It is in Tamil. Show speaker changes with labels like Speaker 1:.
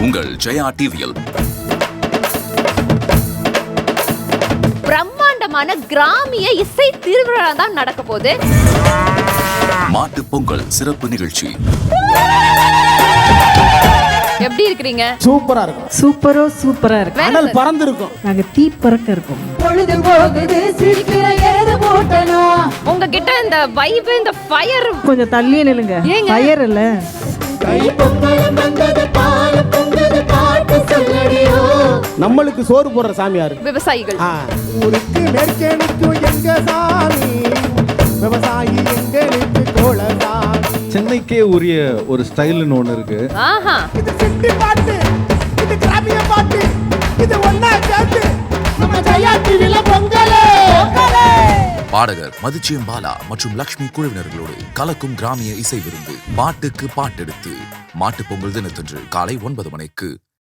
Speaker 1: உங்கள் ஜெயா டிவியில்
Speaker 2: பிரம்மாண்டமான கிராமிய இசை திருவிழா தான் நடக்க போகுது.
Speaker 1: மாட்டு பொங்கல் சிறப்பு நிகழ்ச்சி.
Speaker 2: எப்படி இருக்கிறீங்க?
Speaker 3: சூப்பரா இருக்கும்.
Speaker 4: சூப்பரா இருக்கு.
Speaker 3: அனல் பறந்து இருக்கும்.
Speaker 4: நாங்க தீ பறக்க இருக்கோம்.
Speaker 5: பொழுது போகுது சிரிக்கிற எழுது போட்டனா.
Speaker 2: உங்ககிட்ட இந்த வைப், இந்த ஃபயர்
Speaker 4: கொஞ்சம் தள்ளியே நில்லுங்க.
Speaker 2: ஏங்க?
Speaker 4: ஃபயர் இல்ல.
Speaker 5: கை பொங்கலும் வந்தது பால் பொங்குது பாட்டு சொல்லடியோ.
Speaker 3: நம்மளுக்கு சோறு போடுற சாமியாரு
Speaker 2: விவசாயிகள்.
Speaker 3: ஊருக்கு நெற்கணிக்கு எங்க சாமி, விவசாயி எங்களுக்கு கோலசாமி.
Speaker 6: சென்னைக்கே உரிய ஒரு ஸ்டைல்னு ஒன்று இருக்கு.
Speaker 2: ஆஹா,
Speaker 3: இது சிட்டி பாட்டு, இது கிராமிய பாட்டு, இது ஒண்ணா சேர்த்து
Speaker 5: நம்ம ஜெயா டிவில பொங்கலே.
Speaker 1: பாடகர் மதுச்சியம் பாலா மற்றும் லக்ஷ்மி குழுவினர்களோடு கலக்கும் கிராமிய இசை விருந்து. பாட்டுக்கு பாட்டெடுத்து மாட்டு பொங்கல் தினத்தன்று காலை 9 மணிக்கு